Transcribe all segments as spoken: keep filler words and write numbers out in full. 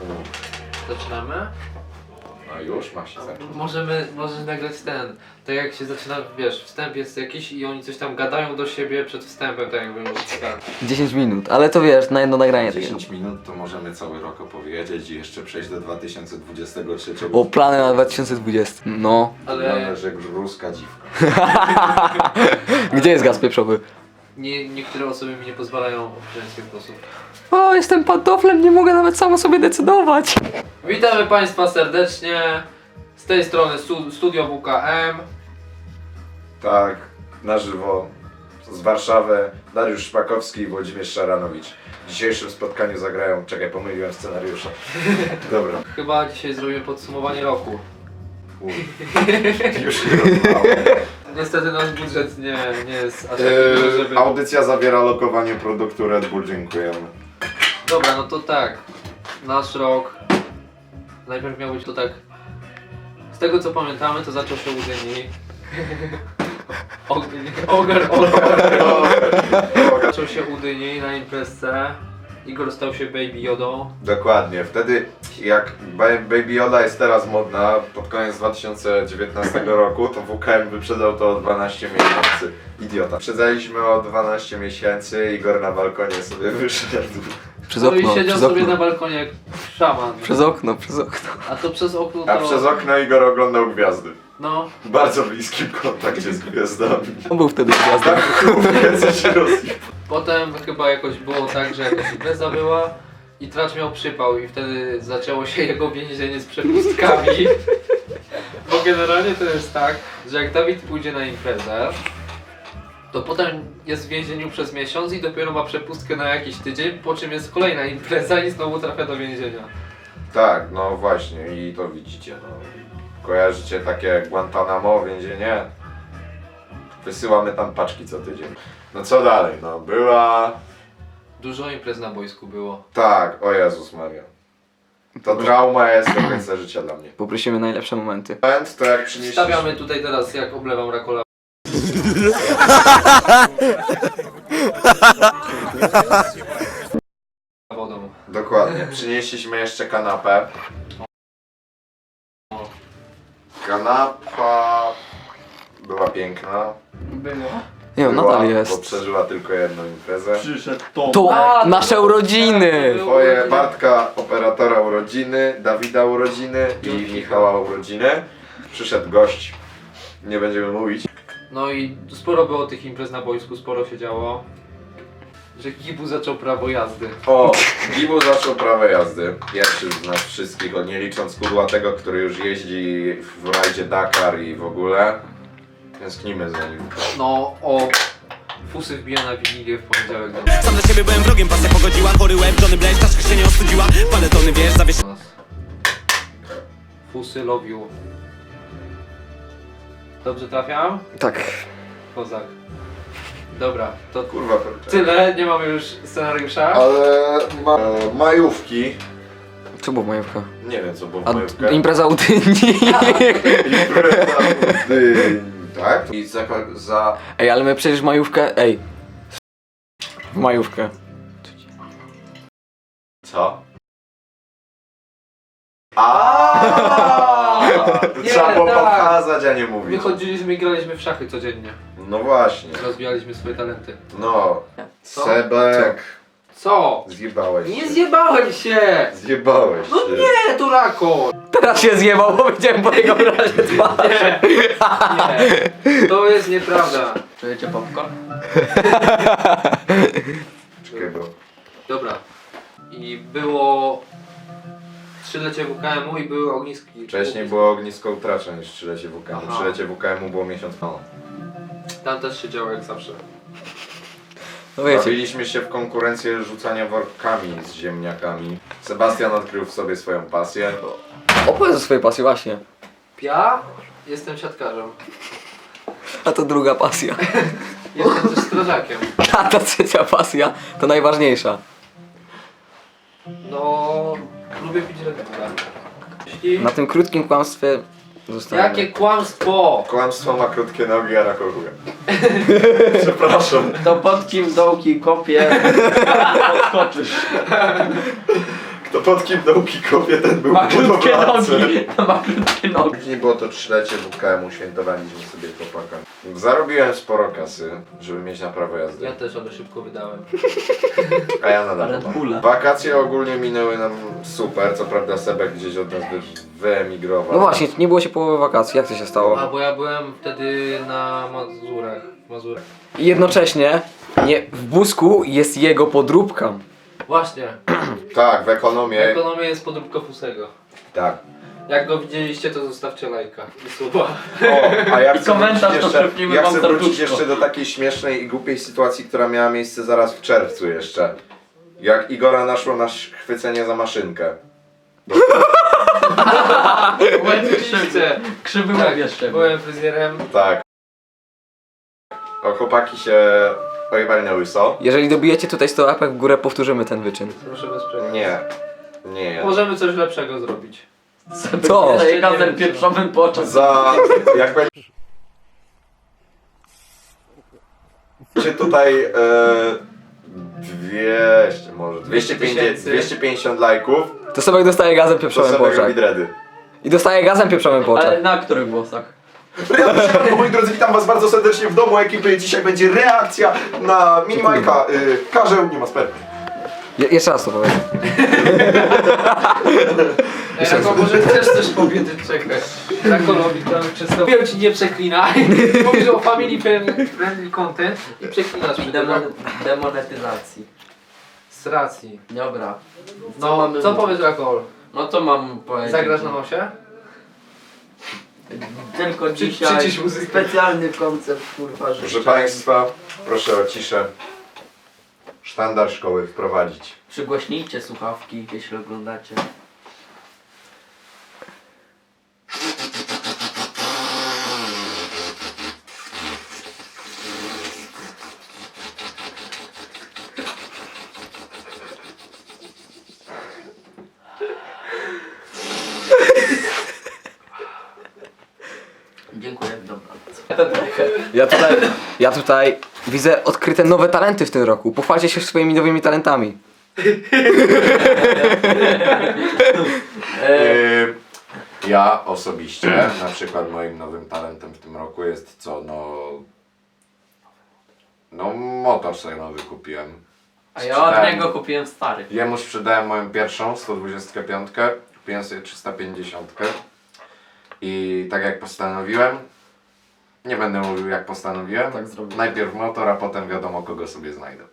Zaczynamy? A już ma się zacząć. Możemy, możesz nagrać ten, tak jak się zaczyna, wiesz, wstęp jest jakiś i oni coś tam gadają do siebie przed wstępem, tak jakby tak. dziesięć minut, ale to wiesz, na jedno nagranie. dziesięć minut to możemy cały rok opowiedzieć i jeszcze przejść do dwa tysiące dwudziestego trzeciego. O, plany na dwa tysiące dwudziesty. No. Ale Mamy, że ruska dziwka. Gdzie jest gaz pieprzowy? nie, niektóre osoby mi nie pozwalają w żeński sposób. O, jestem pantoflem, nie mogę nawet sam o sobie decydować. Witamy Państwa serdecznie, z tej strony stu, Studio W K M. Tak, na żywo z Warszawy Dariusz Szpakowski i Włodzimierz Szaranowicz. W dzisiejszym spotkaniu zagrają... Czekaj, pomyliłem scenariusza. Dobra. Chyba dzisiaj zrobimy podsumowanie roku. Uj. Już nie rozmawiam. Niestety nasz budżet nie, nie jest aż taki Eee, duży, żeby... audycja zawiera lokowanie produktu Red Bull, dziękujemy. Dobra, no to tak, nasz rok, najpierw miał być to tak, z tego co pamiętamy to zaczął się u Dyni. Ogar, ogar, zaczął się u Dyni na imprezce, Igor stał się Baby Jodą. Dokładnie, wtedy jak Ba- Baby Yoda jest teraz modna, pod koniec dwa tysiące dziewiętnastego roku, to W K M wyprzedał to o dwanaście miesięcy. Idiota. Wyprzedzaliśmy o dwanaście miesięcy, Igor na balkonie sobie wyszedł. Przez No i okno, siedział przez sobie okno. na balkonie jak szaman. Przez okno, przez okno. A to przez okno to... A przez okno Igor oglądał gwiazdy. No, W bardzo bliskim kontakcie z gwiazdami. On był wtedy gwiazdą. Tak, więcej się rozjechał. potem chyba jakoś było tak, że jakaś impreza była i Tracz miał przypał i wtedy zaczęło się jego więzienie z przepustkami. Bo generalnie to jest tak, że jak Dawid pójdzie na imprezę, to potem jest w więzieniu przez miesiąc i dopiero ma przepustkę na jakiś tydzień, po czym jest kolejna impreza i znowu trafia do więzienia. Tak, no właśnie i to widzicie, no. Kojarzycie takie Guantanamo, więzienie? Wysyłamy tam paczki co tydzień. No co dalej, no była... Dużo imprez na boisku było. Tak, o Jezus Maria. To trauma jest do końca życia dla mnie. Poprosimy najlepsze momenty. Moment to jak przynieśliśmy... Stawiamy tutaj teraz jak oblewam Rakola. Wodą. Dokładnie, przynieśliśmy jeszcze kanapę. Kanapa była piękna. Było. Nie wiem, Była, nadal Bo jest. przeżyła tylko jedną imprezę. To A, nasze to- urodziny! Twoje Bartka, operatora urodziny, Dawida urodziny i Michała urodziny. Przyszedł gość, nie będziemy mówić. No i sporo było tych imprez na boisku, sporo się działo. Że Gibu zaczął prawo jazdy. O, Gibu zaczął prawo jazdy. Pierwszy z nas wszystkich, o nie licząc kudłatego, który już jeździ w rajdzie Dakar i w ogóle. Tęsknimy za nim. No, o Fusy wbija na Wigilię w poniedziałek do Sam dla siebie byłem wrogiem, pasja pogodziła. Chory łeb, Johnny Blaze, czaszka się nie ostudziła. Paletony, wiesz, zawiesz... nas. Fusy love you. Dobrze trafiam? Tak. Kozak. Dobra, to Kurwa, kurczę. tyle, nie mamy już scenariusza. Ale ma, e, majówki. Co było majówka? Nie wiem co było w A majówkę. impreza u Dyni. Impreza w Dyni, tak? I za, za... Ej, ale my przecież majówkę... Ej. W majówkę. Co? Aaaa! Nie, Trzeba było tak. pokazać, a nie mówić. Wychodziliśmy i graliśmy w szachy codziennie. No właśnie. Rozwijaliśmy swoje talenty. No. Co? Sebek. Co? Zjebałeś Nie się. zjebałem się! Zjebałeś No się. nie, to Rako! Teraz się zjebał, bo widziałem po jego wyrazie twarzy. Nie, nie, to jest nieprawda. Czujecie popcorn? Czekaj, bo... Dobra. I było trzylecie W K M-u i były ogniski. Wcześniej było ognisko utracza niż trzylecie W K M-u. Aha. Trzylecie W K M-u było miesiąc temu. Tam też się działo jak zawsze. No wiecie. Bawiliśmy się w konkurencję rzucania workami z ziemniakami. Sebastian odkrył w sobie swoją pasję. Opowiedz o swojej pasji właśnie. Ja jestem siatkarzem. A to druga pasja. Jestem też strażakiem. A ta trzecia pasja to najważniejsza. No, lubię pić Red Bulla. Jeśli... Na tym krótkim kłamstwie zostaniemy. Jakie kłamstwo! Kłamstwo ma krótkie nogi, a rakochuje. Przepraszam. To pod kim dołki kopie, odskoczysz. Kto pod kim nauki kopie, ten był Ma krótkie budowlancem. nogi. Ma krótkie nogi. Później było to trzylecie W K M-u, świętowaliśmy sobie chłopaka. Zarobiłem sporo kasy, żeby mieć na prawo jazdy. Ja też, ale szybko wydałem. A ja nadal Red mam. Bulla. Wakacje ogólnie minęły nam super, co prawda Sebek gdzieś od nas wy, wyemigrował. No właśnie, nie było się połowy wakacji, jak to się stało? A bo ja byłem wtedy na Mazurach. Mazurach. I jednocześnie nie, w Busku jest jego podróbka. Właśnie, Tak, w w ekonomię. ekonomii jest podróbka Fusego. Tak. Jak go widzieliście, to zostawcie lajka i suba. O, a ja chcę komentarz, wrócić to jeszcze, przypnijmy ja wam chcę wrócić serduszko. jeszcze do takiej śmiesznej i głupiej sytuacji, która miała miejsce zaraz w czerwcu jeszcze. Jak Igora naszło na chwycenie za maszynkę. Oczywiście. Krzywy Tak, łeb jeszcze. byłem fryzjerem. Tak. O, chłopaki się pojebali na łyso. Jeżeli dobijecie tutaj sto łapek w górę, powtórzymy ten wyczyn. Proszę bez przerwy. Nie. Nie. Możemy coś lepszego zrobić. Co? Jeszcze nie Gazem wiem, pieprzowym po oczach. Za... jak będzie tutaj e, dwieście, może dwieście pięćdziesiąt, dwieście pięćdziesiąt lajków, To sobie dostaje gazem to pieprzowym po sobie oczach. robi dready. I dostaje gazem pieprzowym po oczach. Ale na których głosach? Ja, moi drodzy, witam was bardzo serdecznie w domu ekipy. Dzisiaj będzie reakcja na Minimajka. Y, Karzeł nie ma spermy. Je jeszcze raz to powiem. Ej, Rako, może chcesz coś powiedzieć, czekaj. Rakolowi tam często wiem ci nie przeklinaj. Mówisz o family friendly content i przeklinasz przy tym. Demon demonetyzacji. Z racji. Dobra. Co No, mamy co mówić? powiesz Rakol? No to mam powiedzieć. Zagrasz na nosie? Tylko Przy- dzisiaj przycisz muzykę. specjalny koncept, kurwa, że Proszę państwa, proszę o ciszę. Sztandar szkoły wprowadzić. przygłośnijcie słuchawki, jeśli oglądacie. Dziękuję, dobranoc. Ja tutaj, ja tutaj widzę odkryte nowe talenty w tym roku. Pochwalcie się swoimi nowymi talentami. Yy, ja osobiście, na przykład moim nowym talentem w tym roku jest co, no... No motor sobie nowy kupiłem. A ja od Sprzedałem- niego kupiłem stary. Jemu sprzedałem moją pierwszą, sto dwudziestkę pięć, kupiłem sobie trzysta pięćdziesiąt. I tak jak postanowiłem, nie będę mówił jak postanowiłem, Tak zrobię. najpierw motor, a potem wiadomo kogo sobie znajdę.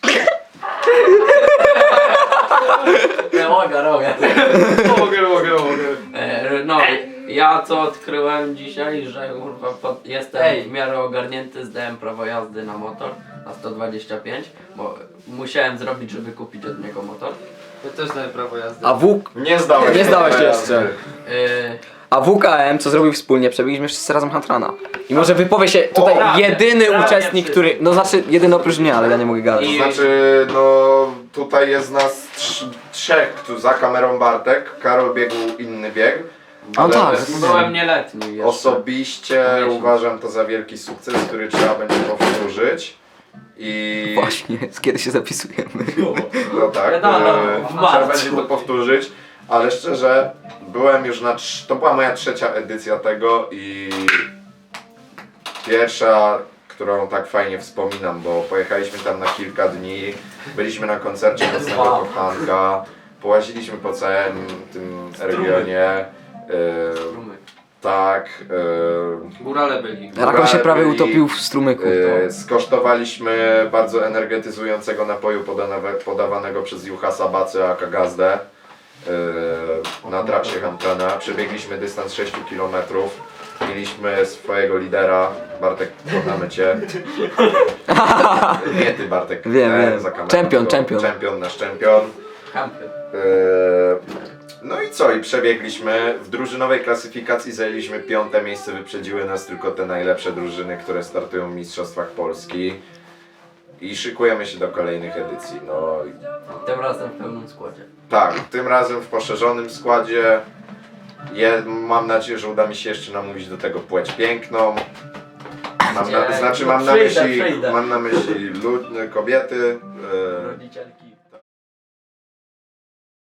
Nie mogę, mogę. Mogę, mogę, mogę. E, No, ja co odkryłem dzisiaj, że kurwa pod, jestem Ej. w miarę ogarnięty, zdałem prawo jazdy na motor na sto dwadzieścia pięć, bo musiałem zrobić, żeby kupić od niego motor. Ja też znałem prawo jazdy. A W... Nie zdałeś Nie zdałeś prawa jeszcze. jazdy. E, A W K M, co zrobił wspólnie, przebiliśmy wszyscy razem Huntrana. I może wypowie się tutaj prawie, jedyny prawie uczestnik, wszyscy. który... No znaczy, jedyny oprócz mnie, ale ja nie mogę gadać. I- Znaczy, no tutaj jest nas trz- trzech, tu za kamerą Bartek, Karol biegł inny bieg. O ale tak. byłem nieletni jeszcze. Osobiście Miesiąc. uważam to za wielki sukces, który trzeba będzie powtórzyć. I Właśnie, z kiedy się zapisujemy. no tak, No, no, e, w trzeba marcu. będzie to powtórzyć, ale szczerze, byłem już na, trz- to była moja trzecia edycja tego i pierwsza, którą tak fajnie wspominam, bo pojechaliśmy tam na kilka dni, byliśmy na koncercie Nocnego Wow. Kochanka, połaziliśmy po całym tym regionie, e, tak, e, Górale byli. Rakon się prawie byli- utopił w strumyku. E, skosztowaliśmy bardzo energetyzującego napoju podanego, podawanego przez Juhasa Bacę aka Gazdę e, na trasie Huntrana. Przebiegliśmy dystans sześć kilometrów. Mieliśmy swojego lidera. Bartek, kochamy cię. Nie ty, Bartek. Wiem, e, wiem. za kamerą, Czempion, tylko czempion. Czempion, nasz czempion. Kampion. Eee, No i co? I przebiegliśmy. W drużynowej klasyfikacji zajęliśmy piąte miejsce. Wyprzedziły nas tylko te najlepsze drużyny, które startują w Mistrzostwach Polski. I szykujemy się do kolejnych edycji. No i Tym razem w pełnym składzie. tak, tym razem w poszerzonym składzie. Je, mam nadzieję, że uda mi się jeszcze namówić do tego płeć piękną. Mam na, Nie, znaczy no mam na przyjdę, myśli, przyjdę. mam na myśli lud, kobiety. eee, Rodzicielki.